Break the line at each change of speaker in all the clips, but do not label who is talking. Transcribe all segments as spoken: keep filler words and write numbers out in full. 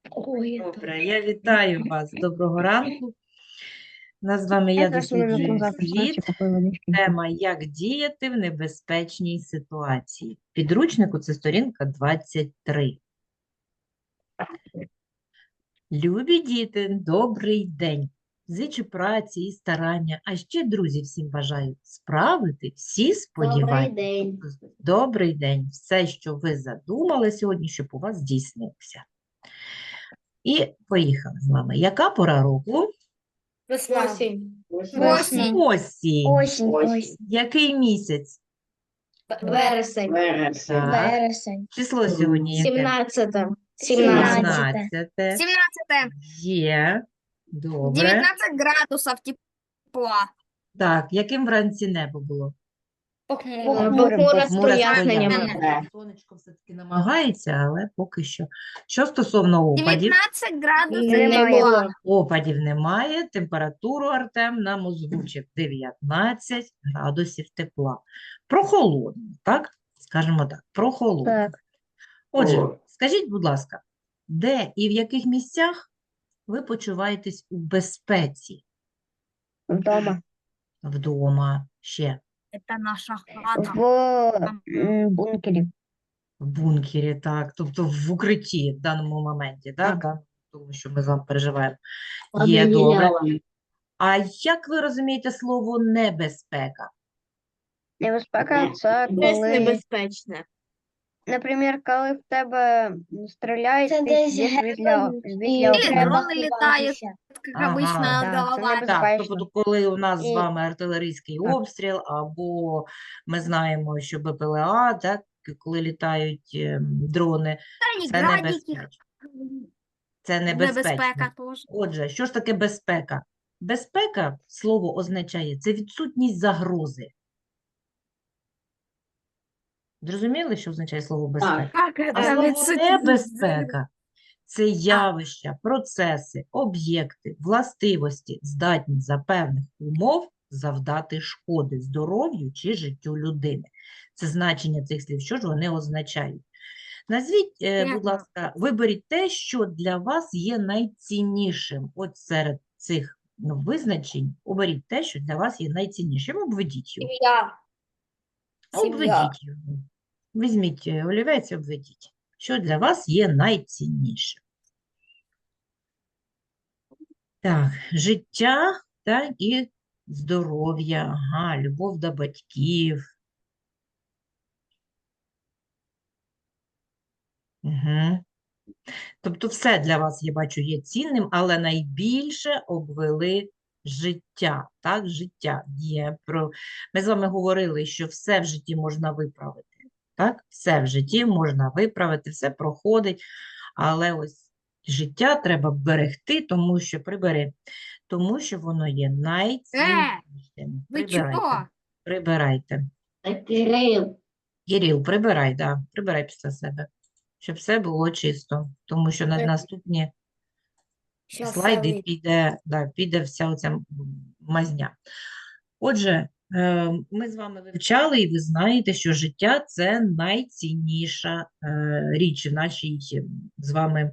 Ой,
Добре, я вітаю вас. Доброго ранку. У нас з вами «Я досліджую світ». Тема «Як діяти в небезпечній ситуації». В підручнику це сторінка двадцять три. Любі діти, добрий день. Зичу праці і старання, а ще, друзі, всім бажаю справити всі сподівання.
Добрий день.
Добрий день. Все, що ви задумали сьогодні, щоб у вас здійснилося. І поїхали з вами. Яка пора року?
Осінь.
Осінь.
Осінь.
Осінь. Осінь.
Який місяць?
Вересень.
Так.
Вересень.
Число сьогодні яке?
Сімнадцяте.
сімнадцяте.
сімнадцяте.
Є. Добре.
дев'ятнадцять градусів тепла.
Так, яким вранці небо було?
Похмуре
Похмуре
з проясненнями.
стояння. Сонечко все-таки намагається, але поки що. Що стосовно опадів?
дев'ятнадцять градусів
Немає.
тепла.
Опадів немає. Температуру Артем нам озвучив дев'ятнадцять градусів тепла. Прохолодно, так? Скажімо так, прохолодно.
Так.
Отже, скажіть, будь ласка, де і в яких місцях ви почуваєтесь у безпеці?
Вдома.
Вдома, ще
Це наша хата.
В м, бункері.
в бункері, так, тобто в укритті в даному моменті, так?
Так.
Тому що ми з вами переживаємо. Є, добре. А як ви розумієте слово небезпека?
Небезпека це коли,
небезпечне.
наприклад, коли в тебе стріляють,
Це
ти
десь
сидиш
гепнуть
біля,
і
біля
Или
окремо.
дрони літають, як
Ага,
обично,
да,
над
це
головою.
Так,
Безпечно.
тобто, коли у нас з
І-
вами артилерійський
Так.
обстріл, або ми знаємо, що Б П Л А, так, коли літають ем, дрони,
Та й
це
градики.
небезпечно. Це небезпечно.
Небезпека теж.
Отже, що ж таке безпека? Безпека, слово означає, це відсутність загрози. Зрозуміли, що означає слово безпека?
Так,
А
це
слово
відсутність
небезпека – це явища, процеси, об'єкти, властивості, здатні за певних умов завдати шкоди здоров'ю чи життю людини. Це значення цих слів, що ж вони означають? Назвіть, е, будь
Ясно.
ласка, виберіть те, що для вас є найціннішим. От серед цих ну, визначень оберіть те, що для вас є найціннішим. Обведіть його.
Я. Сім'я.
Обведіть його. Візьміть е, олівець і обведіть. Що для вас є найціннішим? Так, життя, так, і здоров'я, ага, любов до батьків. Угу. Тобто все для вас, я бачу, є цінним, але найбільше обвели життя. Так, життя є про... Ми з вами говорили, що все в житті можна виправити. Так, все в житті можна виправити, все проходить, але ось життя треба берегти, тому що прибери, тому що воно є найціннішим.
Ви
Прибирайте,
чого?
прибирайте.
Кирил.
Кирил, прибирай, да, прибирай після себе, щоб все було чисто, тому що на
Так.
наступні
Щас
слайди
я
піде, да, піде вся оця м- мазня. Отже, е, ми з вами вивчали, і ви знаєте, що життя – це найцінніша е, річ в нашій е, з вами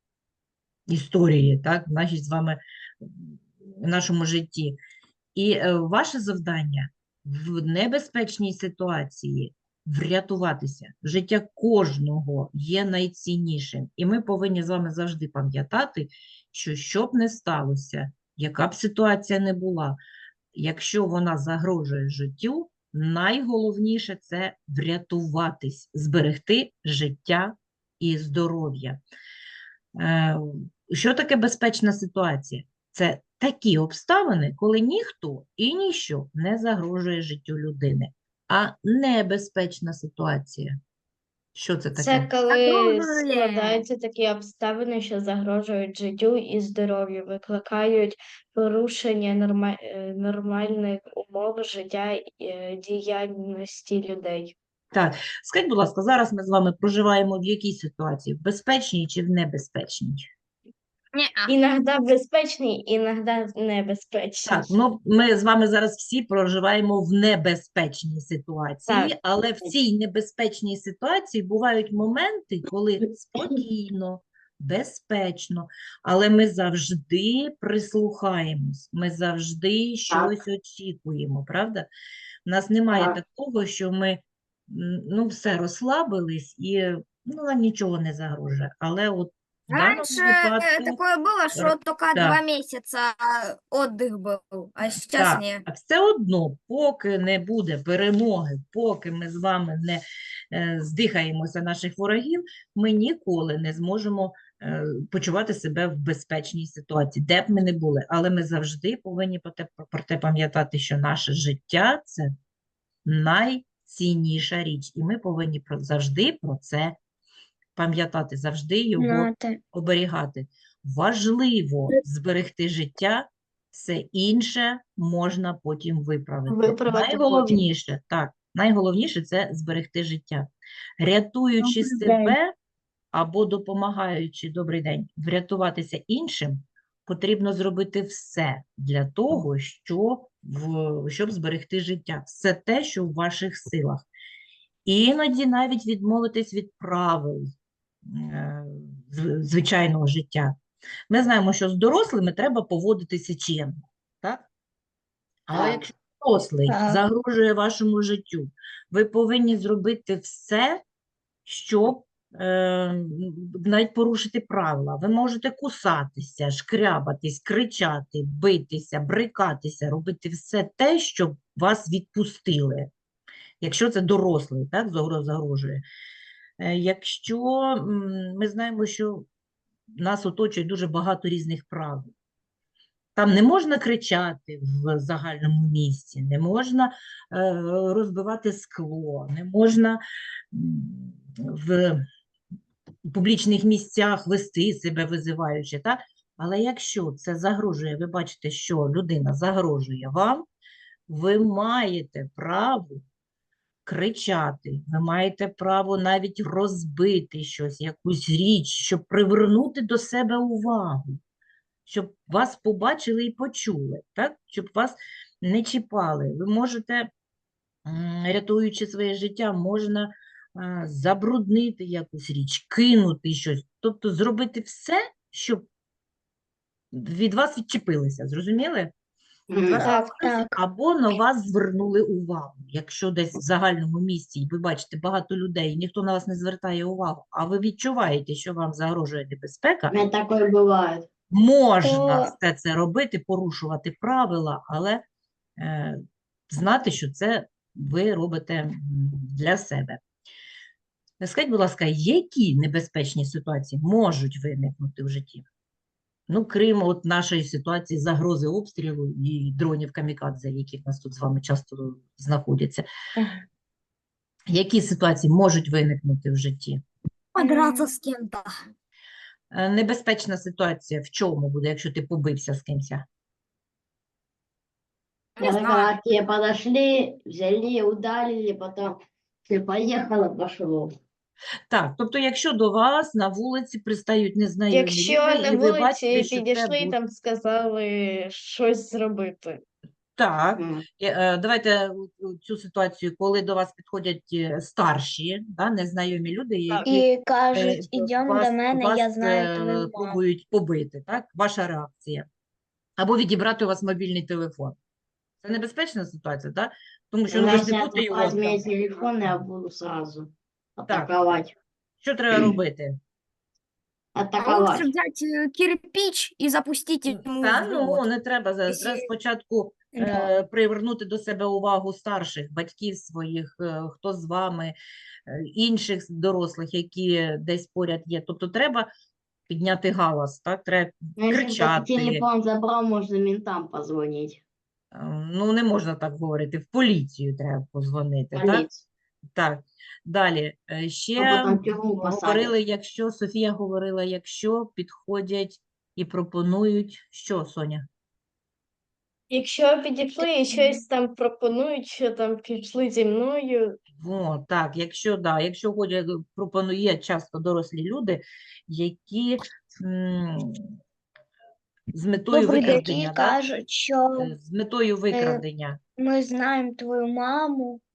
історії, так, в нашій з вами в нашому житті. І е, ваше завдання в небезпечній ситуації врятуватися. Життя кожного є найціннішим. І ми повинні з вами завжди пам'ятати, що що б не сталося, яка б ситуація не була, якщо вона загрожує життю, найголовніше – це врятуватись, зберегти життя і здоров'я. Е, Що таке безпечна ситуація? Це такі обставини, коли ніхто і ніщо не загрожує життю людини. А небезпечна ситуація. Що це таке?
Це коли
Загрожує.
складаються такі обставини, що загрожують життю і здоров'ю, викликають порушення норма... е, нормальних умов життя і е, діяльності людей.
Так, скажіть, будь ласка, зараз ми з вами проживаємо в якій ситуації? В безпечній чи в небезпечній?
Ні,
Іноді безпечний, іноді небезпечний.
Так, ну ми з вами зараз всі проживаємо в небезпечній ситуації,
Так.
але в цій небезпечній ситуації бувають моменти, коли спокійно, безпечно, але ми завжди прислухаємось, ми завжди щось очікуємо, правда? У нас немає
Так.
такого, що ми м, ну, все розслабились і ну, нам нічого не загрожує. Але от в даному
Раньше э,
випадку,
такое было,
р-
что только
да,
два месяца отдых был, а сейчас
так,
не.
а все одно, поки не буде перемоги, поки ми з вами не е, здихаємося наших ворогів, ми ніколи не зможемо е, почувати себе в безпечній ситуації, де б ми не були. Але ми завжди повинні про те, про те пам'ятати, що наше життя – це найцінніша річ. І ми повинні про, завжди про це пам'ятати, завжди його
Знати.
оберігати. Важливо зберегти життя, все інше можна потім виправити.
Виправити потім.
Найголовніше, так, найголовніше це зберегти життя. Рятуючи
Добрий
себе або допомагаючи, добрий день, врятуватися іншим, потрібно зробити все для того, що в, щоб зберегти життя. Все те, що в ваших силах. Іноді навіть відмовитись від правил е, зв- звичайного життя. Ми знаємо, що з дорослими треба поводитися чемно, так? Але
Так.
якщо дорослий
Так.
загрожує вашому життю, ви повинні зробити все, щоб е, навіть порушити правила. Ви можете кусатися, шкрябатись, кричати, битися, брикатися, робити все те, щоб вас відпустили. Якщо це дорослий, так, загро- загрожує. Е, Якщо м, ми знаємо, що нас оточує дуже багато різних правил. Там не можна кричати в загальному місці, не можна е, розбивати скло, не можна м, в публічних місцях вести себе визиваючи, так? Але якщо це загрожує, ви бачите, що людина загрожує вам, ви маєте право кричати, ви маєте право навіть розбити щось, якусь річ, щоб привернути до себе увагу, щоб вас побачили і почули, так? Щоб вас не чіпали. Ви можете, м, рятуючи своє життя, можна а, забруднити якусь річ, кинути щось, тобто зробити все, щоб від вас відчепилися, зрозуміли? Від вас
Так,
відчепилися
так.
або на вас звернули увагу. Якщо десь в загальному місці, і ви бачите багато людей, і ніхто на вас не звертає увагу, а ви відчуваєте, що вам загрожує небезпека,
У мене таке буває.
можна
То-
все це робити, порушувати правила, але е, знати, що це ви робите м, для себе. Скажіть, будь ласка, які небезпечні ситуації можуть виникнути в житті? Ну, крім от нашої ситуації загрози обстрілу і дронів камікадзе, які в нас тут з вами часто знаходяться. Які ситуації можуть виникнути в житті?
Подраться с кем-то.
Е, Небезпечна ситуація в чому буде, якщо ти побився з кимось?
Не
Это
знаю.
когда к тебе подошли, взяли, ударили, потом ты поехала, пошло.
Так, тобто, якщо до вас на вулиці пристають незнайомі
Якщо
люди,
на
і ви бачите,
вулиці
що це
підійшли і
будуть...
там сказали щось зробити.
Так,
М.
е, е, давайте у- у цю ситуацію, коли до вас підходять е, старші, да, незнайомі люди, які
І
е,
кажуть, ідемо
вас,
до мене,
вас
я знаю
е,
твою маму.
пробують побити, так? Ваша реакція. Або відібрати у вас мобільний телефон. Це небезпечна ситуація, так? Тому що ну, ви ж не будете його
Возьми
там.
телефон, я буду сразу
Так.
атаковать.
Що треба робити?
А лучше
Атаковать.
взять э, кирпич и запустить ему
Та
в
ну,
живот.
не треба. Зараз
Якщо-
треба спочатку
Да.
е, привернути до себе увагу старших, батьків своїх, е, хто з вами, е, інших дорослих, які десь поряд є. Тобто треба підняти галас, так? Треба
Ну, если кто-то
кричати.
телефон забрал, можно ментам позвонить.
Е, Ну, не можна так говорити. В поліцію треба позвонити, так?
Полицию.
Так. Далі. Е,
А
Ще
потом в тюрьму
говорили,
посадят.
якщо, Софія говорила, якщо підходять і пропонують, що, Соня?
Якщо підійшли і щось там пропонують, що там пішли зі мною,
О, так, якщо, да, якщо ходять, пропонує часто дорослі люди, які м, з метою
добрі
викрадення,
які
да?
кажуть, що
Е, з метою викрадення.
ми знаємо твою маму,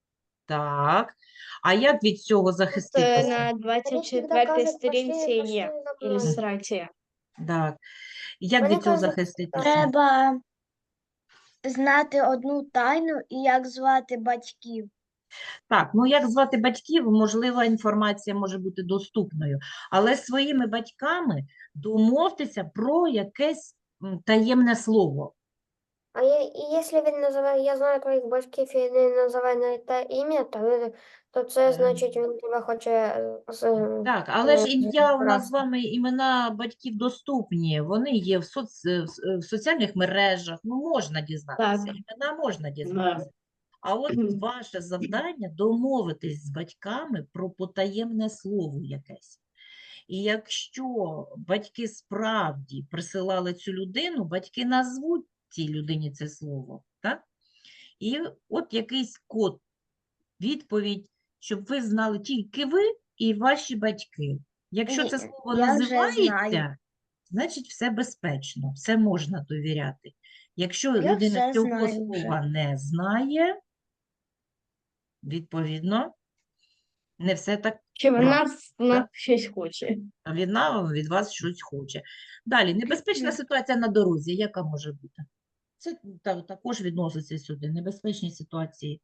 Так. А як від цього
Це
захиститися?
на двадцять четвертій сторінці є ілюстрація.
Так. Як
Мені
від цього
кажуть,
захиститися?
Треба знати одну тайну і як звати батьків.
Так, ну як звати батьків, можливо, інформація може бути доступною, але з своїми батьками домовтеся про якесь м, таємне слово.
А я, і якщо він називає, я знаю твоїх батьків і не називає на те ім'я, то, він- то це
Е,
значить, він тебе хоче е, з,
Так, але ж
е,
ім'я у нас з
раз.
вами, імена батьків доступні, вони є в, соц... в с- в соціальних мережах, ну можна дізнатися,
Так.
імена можна дізнатися. А от
Мгм.
ваше завдання домовитись з батьками про потаємне слово якесь. І якщо батьки справді присилали цю людину, батьки назвуть цій людині це слово, так? І от якийсь код, відповідь, щоб ви знали тільки ви і ваші батьки. Якщо це
Ні,
слово
я вже
називається,
знаю.
значить все безпечно, все можна довіряти. Якщо
Я
людина
все
цього
знаю вже.
слова не знає, відповідно, не все так
Чи
правильно.
вона з нас щось хоче?
А Вона від вас щось хоче. Далі, небезпечна ситуація на дорозі, яка може бути? Це та- також відноситься сюди. Небезпечні ситуації.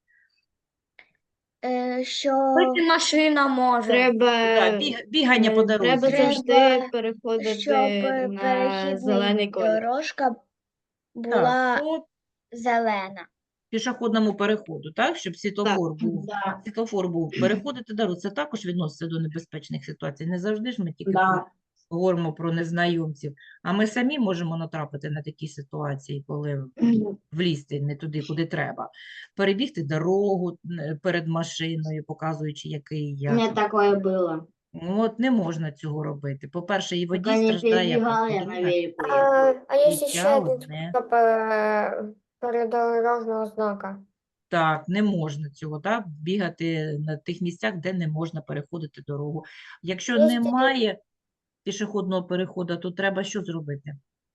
Е, що
машина може.
Треба,
Так, біг- бігання по
е, треба
дорозі.
Треба,
завжди переходити
щоб е,
на
перехідна
зелений колір.
дорожка
Так,
була
по
зелена.
пішохідному переходу, так, щоб світлофор був.
Да.
Світлофор був. Переходити дорогу, це також відноситься до небезпечних ситуацій. Не завжди ж ми тільки
Да.
говоримо про незнайомців, а ми самі можемо натрапити на такі ситуації, коли
Мгм.
влізти не туди, куди треба. Перебігти дорогу е, перед машиною, показуючи, який
У меня
я.
такое было.
Ну, от не можна цього робити. По-перше, і водій
Пока не
страждає, а
перебегал, я на
по-друге,
велику
А,
ехал.
а є ще
життя
один
одне.
спосіб е, передорожного знака.
Так, не можна цього, так, бігати на тих місцях, де не можна переходити дорогу. Якщо
Є ще-
немає пішохідного переходу, то треба що зробити?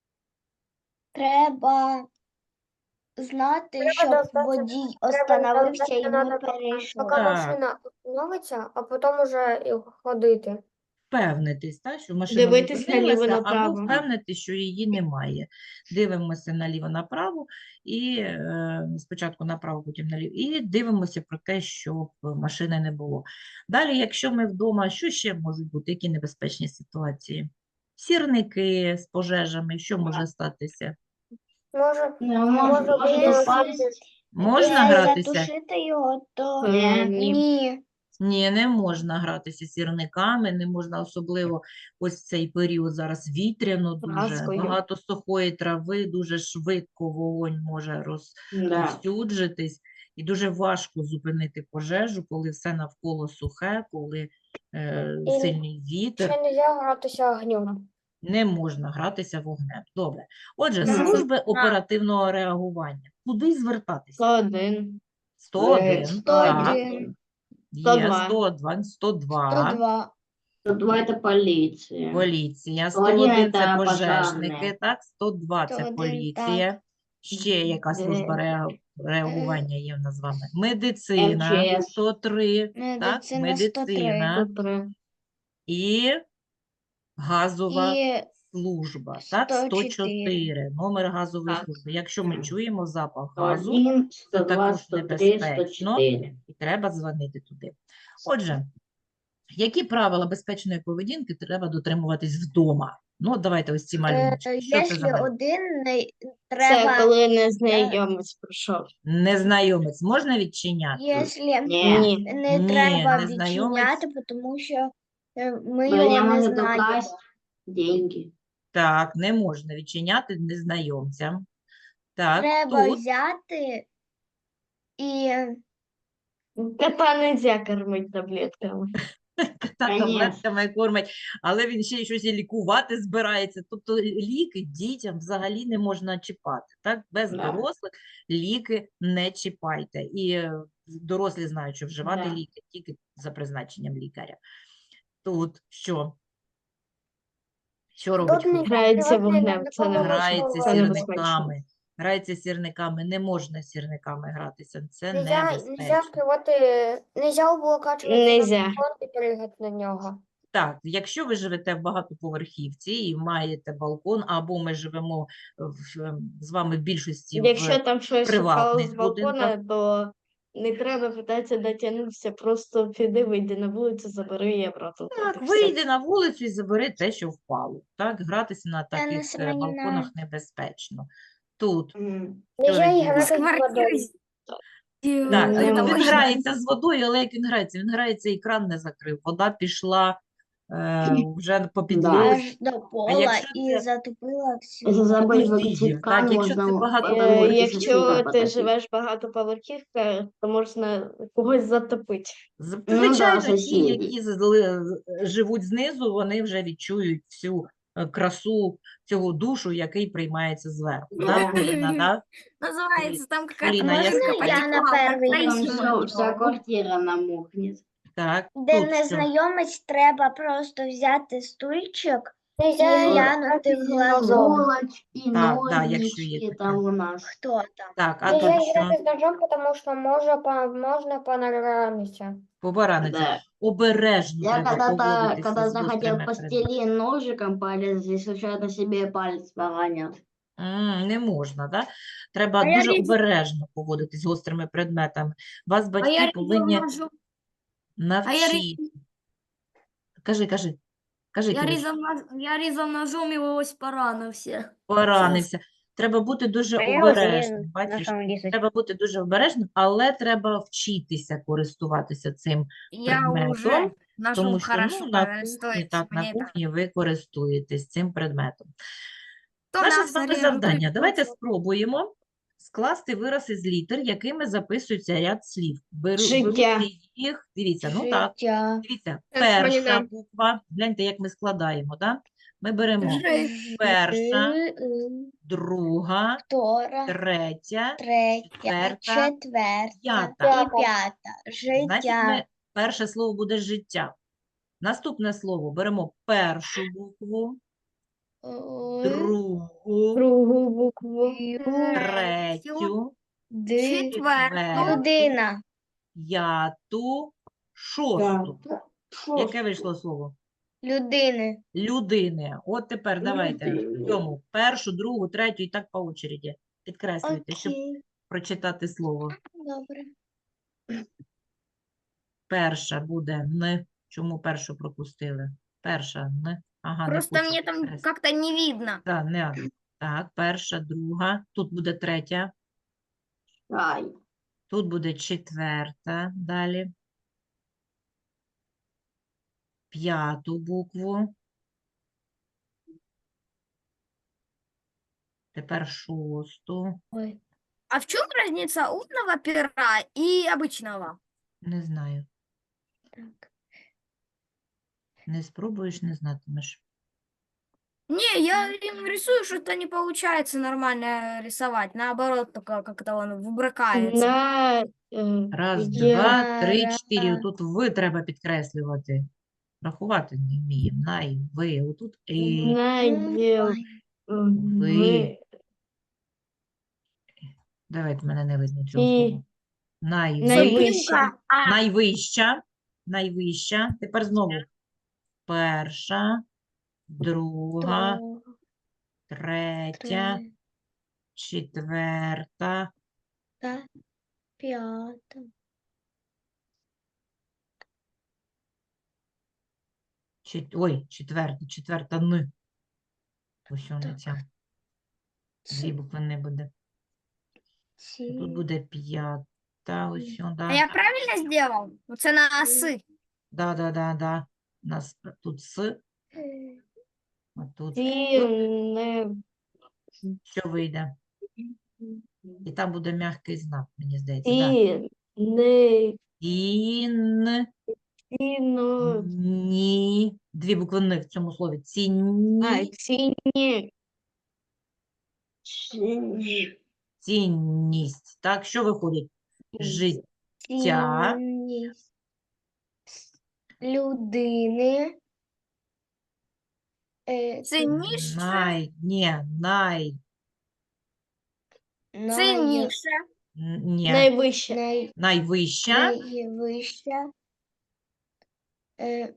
Треба знати,
Треба
щоб
дождатися-
водій
треба
остановився і
дождатися
ми
надо,
перейшли.
Поки
Так.
машина остановиться, а потім уже і ходити.
Впевнитись, так, що машина
Дивитись
зупинилася, або
наліво-направо.
впевнитись, що її немає. Дивимося наліво-направо, і е, спочатку направо, потім наліво, і дивимося про те, щоб машини не було. Далі, якщо ми вдома, що ще можуть бути, які небезпечні ситуації? Сірники з пожежами, що може статися?
Може,
Ну,
може
может, может
бути
упасть.
Можна
Якщо
гратися?
затушити його, то
Е,
Ні.
ні.
Ні, не можна гратися сірниками, не можна особливо ось в цей період зараз вітряно дуже,
Праскою.
багато сухої трави, дуже швидко вогонь може
Да.
розповсюджитись, і дуже важко зупинити пожежу, коли все навколо сухе, коли е,
І
сильний вітер,
ще не можна гратися огнем.
не можна гратися вогнем. Добре. Отже,
Да.
служби оперативного реагування. Куди звертатися?
сто один.
сто один,
сто
так,
один.
є
сто два.
сто два, сто два.
сто два.
сто два это полиция.
Поліція,
сто один
сто один це
це
пожежники,
пожежні.
так, сто два це
сто один,
поліція. Ще яка служба реа- реагування є в нас з вами? Медицина,
МЧС.
сто три, так,
Медицина сто три.
медицина
сто три.
і газова
І
служба, так,
сто
сто
чотири.
чотири, номер газової
Так.
служби. Якщо ми чуємо запах
сто
газу,
один, сто
це
два,
також
сто три, сто
небезпечно.
четыре.
і треба дзвонити туди. Отже, які правила безпечної поведінки треба дотримуватись вдома? Ну, от давайте ось ці
Е,
малюночки. Що це за
Якщо
малюнки?
один не
Це
треба,
коли незнайомець прийшов.
Незнайомець можна відчиняти?
якщо
Не.
Ні.
не
Ні,
треба
незнайомець.
відчиняти, тому що е, ми
Меня
його не
может
знаємо.
украсть деньги.
Так, не можна відчиняти незнайомцям. Так,
Треба
тут
взяти і
Кота нельзя кормить таблетками.
та
Конечно.
таблетками кормить, але він ще й щось і лікувати збирається. Тобто ліки дітям взагалі не можна чіпати. Так? Без
Да.
дорослих ліки не чіпайте. І е, дорослі знають, що вживати
Да.
ліки тільки за призначенням лікаря. Тут що? Що робить
Тут не
хлопець?
Грається
Сьогодні
вогнем, це не
ніколи не
Грається
було.
це небезпечно.
сірниками. Грається сірниками, не можна сірниками гратися, це
Нельзя,
небезпечно.
нельзя скривати, нельзя облокачуватися на
Нельзя.
балкон і пригати на нього.
Так, якщо ви живете в багатоповерхівці і маєте балкон, або ми живемо в, ем, з вами в більшості в
Якщо там щось впало
приватних
з балкона,
будинках,
то не треба питатися дотягнутися, просто піди, вийди на вулицю, забери і обратно.
так,
От і все.
вийди на вулицю і забери те, що впало. Так, гратися на
Тетяна
таких е,
Семенівна.
балконах небезпечно. Тут
М.
Нельзя
Що
і
відбувається?
З
грати з
квартири
водою.
з-
Так,
Не
він
можна.
грається з водою, але як він грається? Він грається і кран не закрив. Вода пішла е, вже по підлозі.
Аж до пола
якщо
і
це-
затопила всю.
Если забыть
Видів.
выключить
Так,
кран,
якщо це
можно
багато-
потом
Е,
эти
Якщо
сосульки
ти
потопить.
живеш багатоповерхівка, то можна когось затопити.
З-
Ну да,
Звичайно, ті,
сусіди.
які зли- з- живуть знизу, вони вже відчують всю е, красу цього душу, який приймається зверху. Да, Поліна, да?
Называется там какая-то
Поліна, я
музыка
слухаю.
Я на
потекла, как
первый
Таисия
Там всё-
Мальчикова.
вся квартира намокнет.
Так,
Де
тут що?
незнайомець, треба просто взяти стульчик і
Нельзя і
глянути
грати
в
з
глазок.
ножом.
Булочки,
Так, да, якщо є
ножнички
таке.
там у нас.
Хто там?
Так, а
Нельзя
тут що?
грати з ножом, тому що може, по- можна понаранитися.
Побараниться.
Да.
Обережно
Я
треба
когда-то,
поводитися з
когда-то хотел
гострими
по
предметами.
стене ножиком полез, и случайно себе палец поранил.
М, Не можна, да? Треба
А я
дуже
різав-
обережно поводитись з гострими предметами. Вас
А
батьки
я
повинні
резал ножом, а я,
навчити.
ре-
Кажи, кажи. Кажи,
я,
Кирюш.
резал, нож- я резал ножом его ось поранився.
Поранився. Треба бути дуже
А я
обережним.
один
Бачиш,
ножом різать.
треба бути дуже обережним, але треба вчитися користуватися цим
Я
предметом,
уже ножом
тому що
хорошо
ну, на кухні,
користуюсь.
так, на
Мені так.
кухні ви користуєтесь цим предметом.
То
Наше
нас
з вами
режуть,
завдання.
то
Давайте
це.
спробуємо скласти вирази з літер, якими записується ряд слів. Беру,
Життя.
беру їх, дивіться, ну так,
Життя.
дивіться,
Так,
перша
Поліна.
буква, гляньте, як ми складаємо, да? Ми беремо
Жи-
перша,
Жи-
друга,
Втора,
третя,
третя,
четверта,
четверта
п'ята.
і п'ята.
Значить,
Життя.
ми, перше слово буде життя. Наступне слово беремо першу букву,
Л,
другу,
Другу букву.
Ю,
третю,
Ди,
четверту,
людина.
п'яту, шосту. Яке вийшло слово?
Людини.
Людини. От тепер давайте
Людини.
в цьому першу, другу, третю і так по очереді. Підкреслюйте, щоб
Окей,
прочитати слово.
добре.
Перша буде Н. Чому першу пропустили? Перша Н. Ага, не
Просто
хочу
мне там
підкреслити.
как-то не видно.
Так, не надо. Так, перша, друга. Тут буде третя.
Ай.
Тут буде четверта. Далі. П'яту букву. Тепер шосту.
Ой.
А в чем разница умного пера и обычного?
Не знаю.
Так.
Не спробуєш, не знатимеш.
Не, я им рисую, что-то не получается нормально рисовать. Наоборот, только как-то он выбрыкается.
На е,
Раз,
є
два, три,
Ра-
чотири. Отут ви треба підкреслювати. Рахувати не вміємо. Най, ви. Отут і.
на є
Ой.
ви.
Давайте, мене не видно цього
І.
слова. Найви...
Найвища.
А,
Найвища. Найвища. Тепер знову. Перша, друга,
Друга,
третя,
третя,
четверта,
п'ята.
чет... ой, четверта, четверта Н. Ось вона
Так.
ця. Дві букви не буде.
Ці.
Тут буде п'ята, ось
а
сюди.
я правильно сделал? Оце на оси.
Да, да, да, да. У нас тут С,
Е,
а тут
Ті не
що вийде. І там буде м'який знак, мені здається. Да.
ті не
Ін,
ціно.
ні. Дві букви Н в цьому слові. Цінні,
А, ціні.
цінність. Так, що виходить? Життя.
Цінність людини. Е,
Цінніше.
Най, ні, най,
най...
Цінніше.
Н- Ні.
Найвище.
най...
Найвища
найвища е,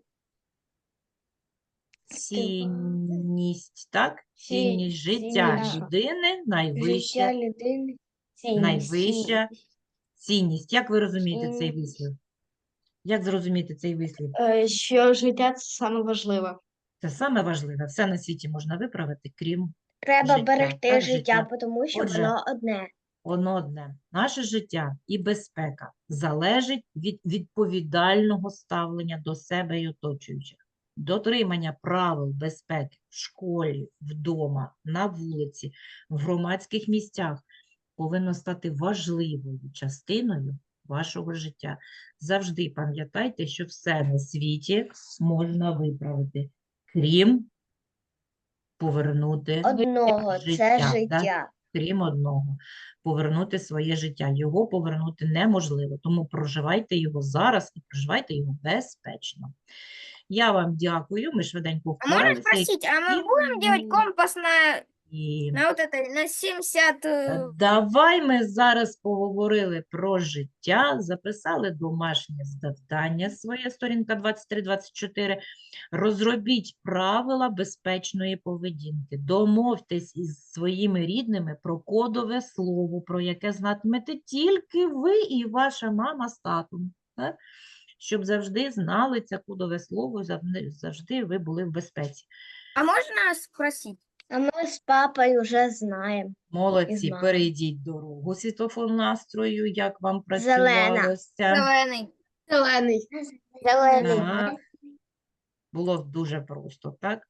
цінність, так?
Ці-
Цінність життя
цінніша.
людини, найвища,
життя людини.
Цінність.
найвища цінність. Як ви розумієте цей
Цінність.
вислів? Як зрозуміти цей вислів?
Е, Що життя це саме важливе.
Це саме важливе. Все на світі можна виправити, крім
Треба
Життя,
берегти
так,
життя,
життя.
тому що
Отже,
воно одне.
воно одне. Наше життя і безпека залежить від відповідального ставлення до себе і оточуючих. Дотримання правил безпеки в школі, вдома, на вулиці, в громадських місцях повинно стати важливою частиною вашого життя. Завжди пам'ятайте, що все на світі можна виправити, крім повернути
Одного, це
життя, да?
життя.
крім одного, повернути своє життя. Його повернути неможливо, тому проживайте його зараз і проживайте його безпечно. Я вам дякую, ми швиденько
А можно
впоралися.
спросить, а мы
и-
будем делать компас на,
І
на вот это, на семьдесят...
е,
э,
давай ми зараз поговорили про життя, записали домашнє завдання своє, сторінка двадцять три двадцять чотири. Розробіть правила безпечної поведінки. Домовтесь із своїми рідними про кодове слово, про яке знатимете тільки ви і ваша мама з татом. Так? Щоб завжди знали це кодове слово, завжди- завжди ви були в безпеці.
А можно спросить?
А ми з папою вже знаємо.
Молодці,
знаю.
перейдіть дорогу світлофор настрою, як вам
Зелена.
працювалося.
Зеленый.
Зелений.
Зелений.
Так. Було дуже просто, так?